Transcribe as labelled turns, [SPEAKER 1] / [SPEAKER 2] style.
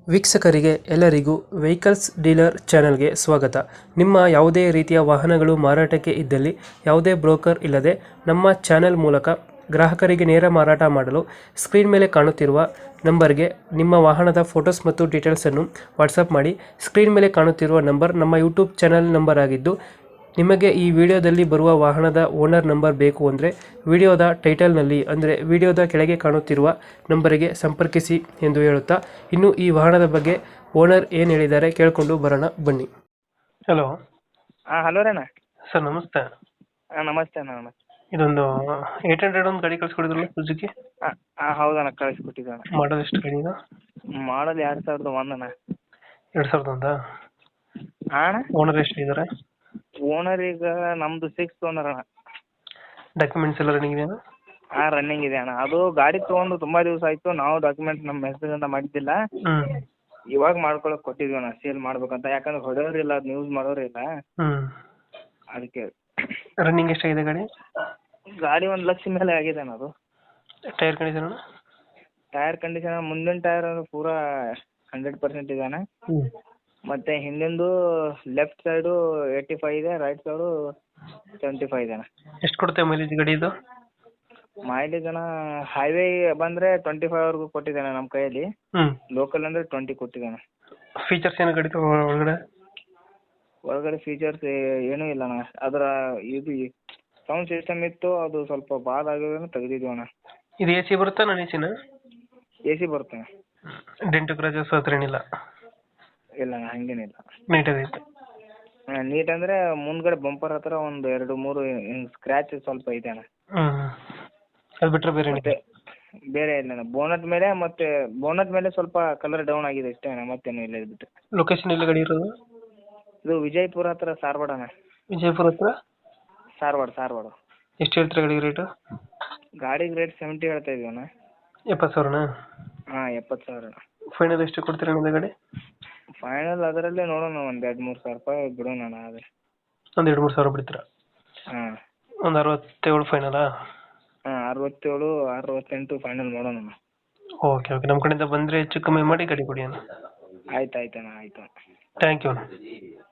[SPEAKER 1] ವೀಕ್ಷಕರಿಗೆ ಎಲ್ಲರಿಗೂ vehicles dealer ಚಾನೆಲ್ಗೆ ಸ್ವಾಗತ. ನಿಮ್ಮ ಯಾವುದೇ ರೀತಿಯ ವಾಹನಗಳು ಮಾರಾಟಕ್ಕೆ ಇದ್ದಲ್ಲಿ ಯಾವುದೇ ಬ್ರೋಕರ್ ಇಲ್ಲದೆ ನಮ್ಮ ಚಾನೆಲ್ ಮೂಲಕ ಗ್ರಾಹಕರಿಗೆ ನೇರ ಮಾರಾಟ ಮಾಡಲು ಸ್ಕ್ರೀನ್ ಮೇಲೆ ಕಾಣುತ್ತಿರುವ ನಂಬರ್ಗೆ ನಿಮ್ಮ ವಾಹನದ ಫೋಟೋಸ್ ಮತ್ತು ಡೀಟೇಲ್ಸನ್ನು ವಾಟ್ಸಪ್ ಮಾಡಿ. ಸ್ಕ್ರೀನ್ ಮೇಲೆ ಕಾಣುತ್ತಿರುವ ನಂಬರ್ ನಮ್ಮ ಯೂಟ್ಯೂಬ್ ಚಾನೆಲ್ ನಂಬರ್ ಆಗಿದ್ದು, ನಿಮಗೆ ಈ ವಿಡಿಯೋದಲ್ಲಿ ಬರುವ ವಾಹನದ ಓನರ್ ನಂಬರ್ ಬೇಕು ಅಂದರೆ ವಿಡಿಯೋದ ಟೈಟಲ್ನಲ್ಲಿ ಅಂದರೆ ವಿಡಿಯೋದ ಕೆಳಗೆ ಕಾಣುತ್ತಿರುವ ನಂಬರಿಗೆ ಸಂಪರ್ಕಿಸಿ ಎಂದು ಹೇಳುತ್ತಾ, ಇನ್ನು ಈ ವಾಹನದ ಬಗ್ಗೆ ಓನರ್ ಏನು ಹೇಳಿದ್ದಾರೆ ಕೇಳಿಕೊಂಡು ಬರೋಣ ಬನ್ನಿ. ಹಲೋ.
[SPEAKER 2] ಹಾಂ ಹಲೋ ರೀ ಅಣ್ಣ.
[SPEAKER 1] ಸರ್ ನಮಸ್ತೆ.
[SPEAKER 2] ಹಾಂ ನಮಸ್ತೆ ಅಣ್ಣ. ನಮಸ್ತೆ.
[SPEAKER 1] ಇದೊಂದು 800 ಒಂದು ಗಾಡಿ ಕಳಿಸ್ಕೊಡಿದ್ರಲ್ಲ ಸುಜುಕಿ.
[SPEAKER 2] ಹಾಂ ಹಾಂ ಹೌದಣ್ಣ, ಕಳಿಸ್ಕೊಟ್ಟಿದ್ದೆ ಅಣ್ಣ.
[SPEAKER 1] ಮಾಡೋದು ಎಷ್ಟು ಗಾಡಿ ಇದು?
[SPEAKER 2] ಮಾಡಲ್ 2001 ಅಣ್ಣ.
[SPEAKER 1] 2001?
[SPEAKER 2] ಹಾಂ ಅಣ್ಣ.
[SPEAKER 1] ಓನರ್ ಎಷ್ಟು ಇದ್ದಾರೆ?
[SPEAKER 2] ಓನರ್ ಈಗ ನಮ್ಮದು 6th ಓನರ್ ಅಣ್ಣ.
[SPEAKER 1] ಡಾಕ್ಯುಮೆಂಟ್ಸ್ ಎಲ್ಲ ರನ್ನಿಂಗ್ ಇದೆಯಾ?
[SPEAKER 2] ಹಾಂ ರನ್ನಿಂಗ್ ಇದೆ ಅಣ್ಣ. ಅದು ಗಾಡಿ ತೊಗೊಂಡು ತುಂಬ ದಿವಸ ಆಯಿತು, ನಾವು ಡಾಕ್ಯುಮೆಂಟ್ಸ್ ನಮ್ಮ ಹೆಸರಿಂದ ಮಾಡಿದ್ದಿಲ್ಲ. ಇವಾಗ ಮಾಡ್ಕೊಳಕ್ಕೆ ಕೊಟ್ಟಿದ್ವಿ ಅಣ್ಣ, ಸೇಲ್ ಮಾಡ್ಬೇಕಂತ. ಯಾಕಂದ್ರೆ ಹೊಡೆಯೋರಿಲ್ಲ, ಅದು ಯೂಸ್ ಮಾಡೋರಿಲ್ಲ, ಅದಕ್ಕೆ.
[SPEAKER 1] ರನ್ನಿಂಗ್ ಎಷ್ಟಾಗಿದೆ ಗಾಡಿ?
[SPEAKER 2] ಗಾಡಿ 1 ಲಕ್ಷ ಮೇಲೆ ಆಗಿದೆ ಅಣ್ಣ. ಅದು
[SPEAKER 1] ಟೈರ್ ಕಂಡೀಷನ್?
[SPEAKER 2] ಟೈರ್ ಕಂಡೀಷನ್ ಮುಂದಿನ ಟೈರ್ ಪೂರಾ 100% ಇದೆ ಅಣ್ಣ. ಮತ್ತು ಹಿಂದಿಂದು ಲೆಫ್ಟ್ ಸೈಡು 85 ಇದೆ, ರೈಟ್ ಸೈಡು 75 ಇದೆ ಅಣ್ಣ.
[SPEAKER 1] ಎಷ್ಟು ಕೊಡುತ್ತೆ ಮೈಲೇಜ್ ಗಾಡಿ ಇದು?
[SPEAKER 2] ಮೈಲೇಜ್ ಅಣ್ಣ ಹೈವೇ ಬಂದರೆ 25ವರೆಗೂ ಕೊಟ್ಟಿದ್ದಾನೆ ನಮ್ಮ ಕೈಯಲ್ಲಿ. ಲೋಕಲ್ ಅಂದರೆ 20 ಕೊಟ್ಟಿದ್ದಾನೆ.
[SPEAKER 1] ಫೀಚರ್ಸ್ ಏನು ಗಾಡಿ
[SPEAKER 2] ಒಳಗಡೆ ಫೀಚರ್ಸ್ ಏನೂ ಇಲ್ಲ ಅಣ್ಣ. ಅದರ ಇದು ಸೌಂಡ್ ಸಿಸ್ಟಮ್ ಇತ್ತು, ಅದು ಸ್ವಲ್ಪ ಬಾದ್ ಆಗಿರೋದನ್ನು ತೆಗೆದಿದ್ವಿ ಅಣ್ಣ.
[SPEAKER 1] ಇದು ಎ ಸಿ ಬರುತ್ತಾ ನಾನ್ ಎ ಸಿನ?
[SPEAKER 2] ಎ ಸಿ ಬರುತ್ತೆ.
[SPEAKER 1] ಡೆಂಟು ಕ್ರಾಚಸ್ ಹತ್ರ ಏನಿಲ್ಲ?
[SPEAKER 2] ಇಲ್ಲ ಅಣ್ಣ, ಹಂಗೇನಿಲ್ಲ.
[SPEAKER 1] ನೀಟಾಗೈತೆ?
[SPEAKER 2] ನೀಟ್ ಅಂದರೆ ಮುಂದ್ಗಡೆ ಬಂಪರ್ ಹತ್ರ ಒಂದು 2-3 ಸ್ಕ್ರ್ಯಾಚ್ ಸ್ವಲ್ಪ ಇದೆ ಅಣ್ಣ.
[SPEAKER 1] ಅದು ಬಿಟ್ಟರೆ ಬೇರೆ
[SPEAKER 2] ಮತ್ತೆ ಬೇರೆ ಇಲ್ಲ ಅಣ್ಣ. ಬೋನಟ್ ಮೇಲೆ ಸ್ವಲ್ಪ ಕಲರ್ ಡೌನ್ ಆಗಿದೆ ಅಷ್ಟೇ ಅಣ್ಣ, ಮತ್ತೇನು ಇಲ್ಲ. ಇದು ಬಿಟ್ಟು
[SPEAKER 1] ಲೊಕೇಶನ್ ಎಲ್ಲಿ ಗಾಡಿ ಇರೋದು?
[SPEAKER 2] ಇದು ವಿಜಯಪುರ ಹತ್ರ ಧಾರವಾಡ ಅಣ್ಣ.
[SPEAKER 1] ವಿಜಯಪುರ ಹತ್ರ
[SPEAKER 2] ಧಾರವಾಡ.
[SPEAKER 1] ಎಷ್ಟು ಹೇಳ್ತೀರಾ ಗಾಡಿ ರೇಟು?
[SPEAKER 2] ಗಾಡಿಗೆ ರೇಟ್ 70 ಹೇಳ್ತಾ ಇದೀವಿ ಅಣ್ಣ.
[SPEAKER 1] 70,000?
[SPEAKER 2] ಹಾಂ 70,000 ಅಣ್ಣ.
[SPEAKER 1] ಫೈನಲ್ ಎಷ್ಟು ಕೊಡ್ತೀರಾ ನಿಮ್ಮದು ಗಾಡಿ?
[SPEAKER 2] ಫೈನಲ್ ಅದರಲ್ಲೇ ನೋಡೋಣ, ಒಂದು 2-3 ಸಾವಿರ ರೂಪಾಯಿ ಬಿಡೋಣ ಅಣ್ಣ. ಅದೇ
[SPEAKER 1] ಒಂದು 2-3 ಸಾವಿರ ಬಿಡ್ತೀರಾ?
[SPEAKER 2] ಹಾಂ.
[SPEAKER 1] ಒಂದು 67 ಫೈನಲಾ?
[SPEAKER 2] ಹಾಂ 67-68 ಫೈನಲ್ ಮಾಡೋಣ ಅಣ್ಣ.
[SPEAKER 1] ಓಕೆ ನಮ್ಮ ಕಡೆಯಿಂದ ಬಂದರೆ ಹೆಚ್ಚು ಕಮ್ಮಿ ಮಾಡಿ ಗಾಡಿ ಕೊಡಿ ಅಣ್ಣ.
[SPEAKER 2] ಆಯ್ತು ಅಣ್ಣ, ಆಯಿತು.
[SPEAKER 1] ಥ್ಯಾಂಕ್ ಯು ಅಣ್ಣ.